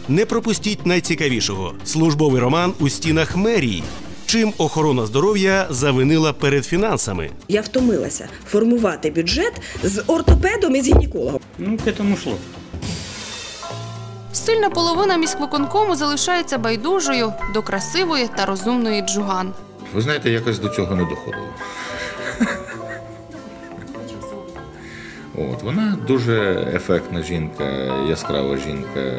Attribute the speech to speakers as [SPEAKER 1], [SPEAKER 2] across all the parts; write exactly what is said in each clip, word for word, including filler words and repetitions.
[SPEAKER 1] Не пропустіть найцікавішого – службовий роман у стінах мерії. Чим охорона здоров'я завинила перед фінансами?
[SPEAKER 2] Я втомилася формувати бюджет з ортопедом і з гінекологом.
[SPEAKER 3] Ну, к этому шло.
[SPEAKER 4] Сильна половина міськвиконкому залишається байдужою до красивої та розумної Джуган.
[SPEAKER 5] Ви знаєте, якось до цього не доходило. От, вона дуже ефектна жінка, яскрава жінка.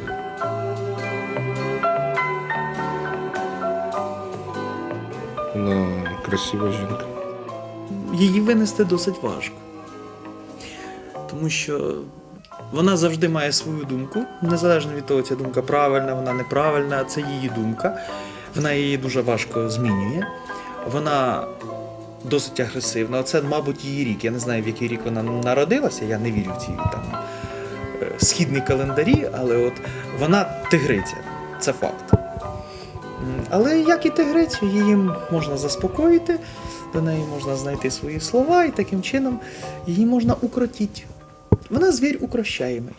[SPEAKER 5] Вона красива жінка.
[SPEAKER 6] Її винести досить важко. Тому що вона завжди має свою думку, незалежно від того, ця думка правильна, вона неправильна, це її думка. Вона її дуже важко змінює. Вона досить агресивна. Оце, мабуть, її рік. Я не знаю, в який рік вона народилася, я не вірю в ці там східні календарі, але от вона тигриця, це факт. Але як і тигрицю, її можна заспокоїти, до неї можна знайти свої слова і таким чином її можна укротити. Вона звір укрощаємий.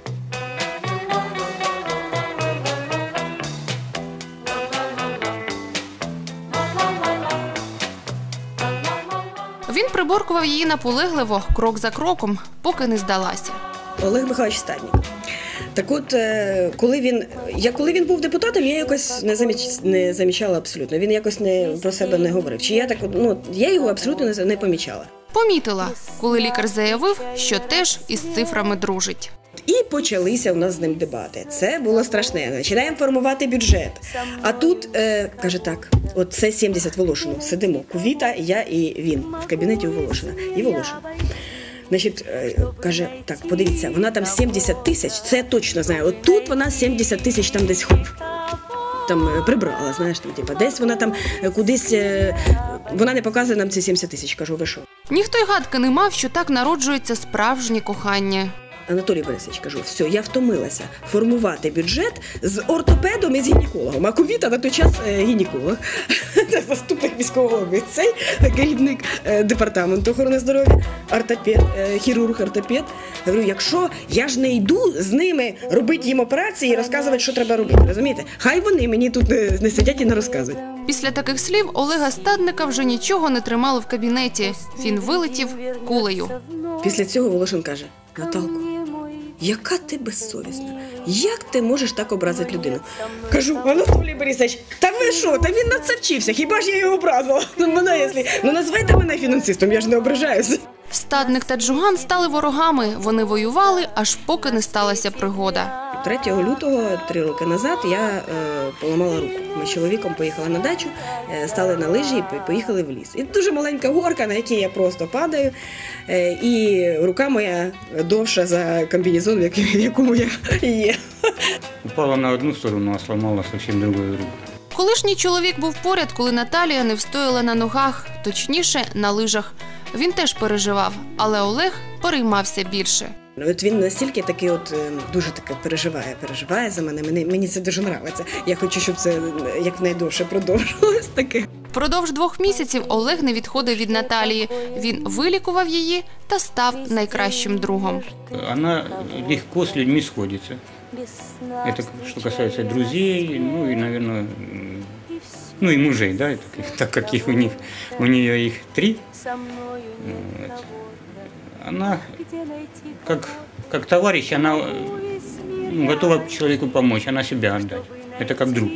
[SPEAKER 4] Він приборкував її наполегливо, крок за кроком, поки не здалася.
[SPEAKER 2] Олег Михайлович Стаднік. Так от, коли він, я, коли він був депутатом, я якось не, заміч, не замічала абсолютно. Він якось не, про себе не говорив. Чи я, так, ну, я його абсолютно не, не помічала.
[SPEAKER 4] Помітила, коли лікар заявив, що теж із цифрами дружить.
[SPEAKER 2] І почалися у нас з ним дебати. Це було страшне. Починаємо формувати бюджет. А тут, е, каже так, от це сімдесят Волошину. Сидимо, Кувіта, я і він в кабінеті у Волошина. І Волошин. Значить, е, каже, так, подивіться, вона там сімдесят тисяч, це я точно знаю. От тут вона сімдесят тисяч там десь хоп, там е, прибрала, знаєш, там, типа, десь вона там е, кудись, е, вона не показує нам ці сімдесят тисяч, кажу, ви що?
[SPEAKER 4] Ніхто й гадки не мав, що так народжується справжнє кохання.
[SPEAKER 2] Анатолій Борисович, кажу, все, я втомилася формувати бюджет з ортопедом і з гінекологом. А Кувіта на той час е, гінеколог, це заступник міського голови, цей керівник е, департаменту охорони здоров'я, ортопед, е, хірург, ортопед. Я говорю, якщо я ж не йду з ними робити їм операції і розказувати, що треба робити, розумієте? Хай вони мені тут не, не сидять і не розказують.
[SPEAKER 4] Після таких слів Олега Стадника вже нічого не тримало в кабінеті. Він вилетів кулею.
[SPEAKER 2] Після цього Волошин каже, Наталко, яка ти безсовісна? Як ти можеш так образити людину? Кажу, Анатолій Борисович, та ви що? Та він на це вчився, хіба ж я його образила? Ну, мене, якщо... ну назвайте мене фінансистом, я ж не ображаюся.
[SPEAKER 4] Стадник та Джуган стали ворогами. Вони воювали, аж поки не сталася пригода.
[SPEAKER 2] третього лютого, три роки назад, я е, поламала руку. Ми з чоловіком поїхали на дачу, е, стали на лижі і поїхали в ліс. І дуже маленька горка, на якій я просто падаю, е, і рука моя довша за комбінезон, в якому я є.
[SPEAKER 3] Упала на одну сторону, а сломала зовсім другу руку.
[SPEAKER 4] Колишній чоловік був поряд, коли Наталія не встояла на ногах, точніше, на лижах. Він теж переживав, але Олег переймався більше.
[SPEAKER 2] От він настільки такий от дуже таке переживає, переживає за мене. Мені, мені це дуже подобається. Я хочу, щоб це якнайдовше продовжувалось таке.
[SPEAKER 4] Впродовж двох місяців Олег не відходив від Наталії. Він вилікував її та став найкращим другом.
[SPEAKER 3] Вона легко з людьми сходиться. Это что касается друзей, ну и, наверное, ну и мужей, да, так как их у них, у нее их три. Вот. Она как, как товарищ, она ну, готова человеку помочь, она себя отдать. Это как друг.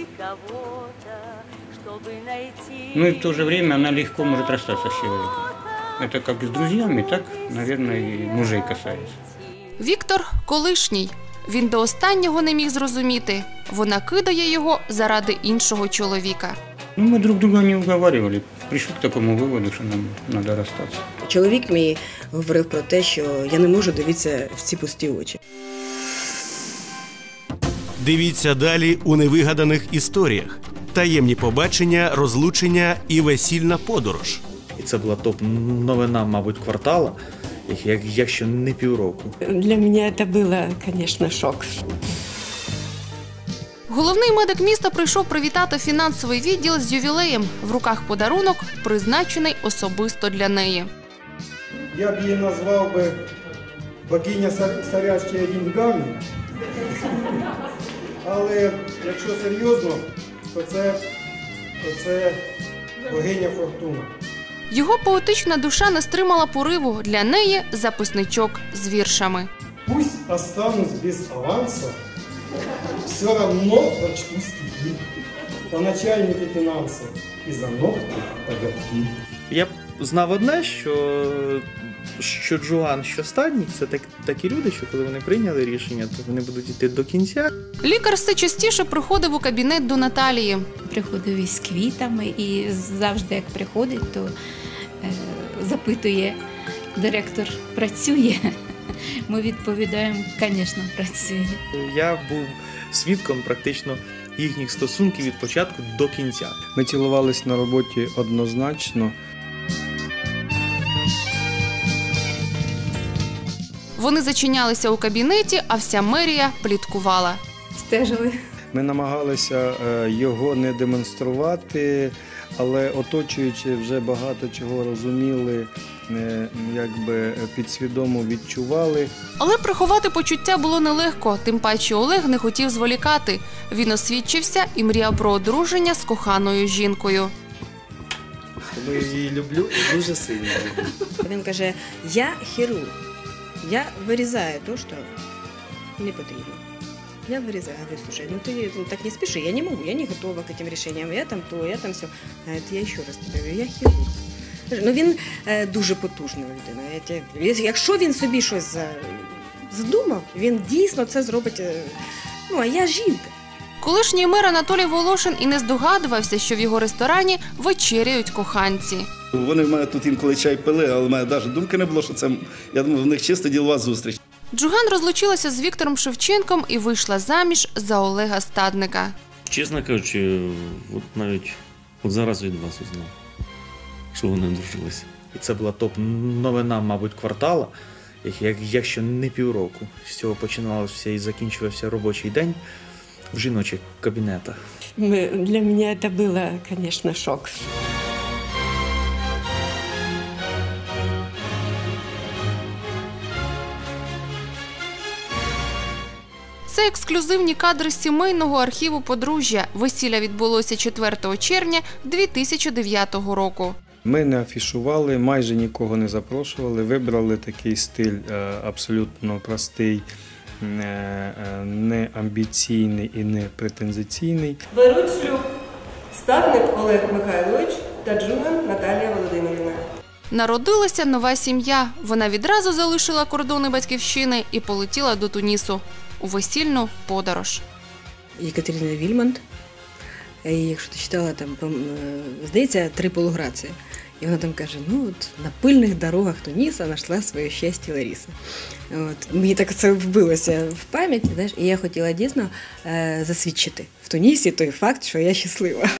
[SPEAKER 3] Ну и в то же время она легко может расстаться с человеком. Это как с друзьями, так, наверное, и мужей касается.
[SPEAKER 4] Віктор – колишній. Він до останнього не міг зрозуміти. Вона кидає його заради іншого чоловіка.
[SPEAKER 3] Ну, ми друг друга не уговаривали. Прийшли к такому виводу, що нам треба розстатися.
[SPEAKER 2] Чоловік мій говорив про те, що я не можу дивитися в ці пусті очі.
[SPEAKER 1] Дивіться далі у невигаданих історіях. Таємні побачення, розлучення і весільна подорож.
[SPEAKER 6] І це була топ-новина, мабуть, квартала, якщо не півроку.
[SPEAKER 7] Для мене це було, звісно, шок.
[SPEAKER 4] Головний медик міста прийшов привітати фінансовий відділ з ювілеєм. В руках подарунок, призначений особисто для неї.
[SPEAKER 8] Я б її назвав би богиня, сорящая деньгами. але якщо серйозно, то це, то це богиня Фортуна.
[SPEAKER 4] Його поетична душа не стримала пориву. Для неї записничок з віршами.
[SPEAKER 8] Пусть останусь без аванса, все равно прочту стихи. По начальнике финансов и за ногти коготки.
[SPEAKER 6] Я б знав одне, що, що Джоан, що Стадній – це так, такі люди, що коли вони прийняли рішення, то вони будуть йти до кінця.
[SPEAKER 4] Лікар все частіше приходив у кабінет до Наталії.
[SPEAKER 9] Приходив із квітами і завжди, як приходить, то е, запитує, директор працює? Ми відповідаємо, звісно, працює.
[SPEAKER 6] Я був свідком практично їхніх стосунків від початку до кінця.
[SPEAKER 10] Ми цілувались на роботі однозначно.
[SPEAKER 4] Вони зачинялися у кабінеті, а вся мерія пліткувала.
[SPEAKER 9] Стежили.
[SPEAKER 10] Ми намагалися е, його не демонструвати, але оточуючи вже багато чого розуміли, е, якби підсвідомо відчували.
[SPEAKER 4] Але приховати почуття було нелегко, тим паче Олег не хотів зволікати. Він освідчився і мріяв про одруження з коханою жінкою.
[SPEAKER 6] Тому я її люблю і дуже сильно люблю.
[SPEAKER 2] Він каже, я хірург, я вирізаю те, що не потрібно. Я вырезаю, говорю, слушай, ну ты ну, так не спеши, я не могу, я не готова к этим решениям, я там то, я там все. А это я ще раз тобі говорю, я хірург. Ну він е, дуже потужна людина. Я тебе- Якщо він собі щось за- задумав, він дійсно це зробить. е, Ну, а я жінка.
[SPEAKER 4] Колишній мер Анатолій Волошин і не здогадувався, що в його ресторані вечеряють коханці.
[SPEAKER 11] Вони в мене тут інколи чай пили, але в мене навіть думки не було, що це, я думаю, в них чисто ділова зустріч.
[SPEAKER 4] Джуган розлучилася з Віктором Шевченком і вийшла заміж за Олега Стадника.
[SPEAKER 12] Чесно кажучи, от навіть от зараз від вас узнав, що вони одружилися.
[SPEAKER 6] І це була топ-новина, мабуть, квартала, як, як, якщо не півроку. З цього починалося і закінчувався робочий день в жіночих кабінетах.
[SPEAKER 7] Мы- Для меня это было, конечно, шок.
[SPEAKER 4] Це ексклюзивні кадри з сімейного архіву подружжя. Весілля відбулося четвертого червня дві тисячі дев'ятого року.
[SPEAKER 10] Ми не афішували, майже нікого не запрошували, вибрали такий стиль е, абсолютно простий, е, е, не амбіційний і не претензиційний.
[SPEAKER 13] Беруть шлюб Стадник Олег Михайлович та Джуган Наталія Володимирівна.
[SPEAKER 4] Народилася нова сім'я. Вона відразу залишила кордони батьківщини і полетіла до Тунісу у весільну подорож.
[SPEAKER 2] Єкатерина Вільмонт, і якщо ти читала, там, пом- е, здається, три полуграції. І вона там каже, ну от на пильних дорогах Туніса знайшла своє щастя Лариса. От. Мені так це вбилося в пам'ять, знаєш, і я хотіла дійсно е, засвідчити в Тунісі той факт, що я щаслива.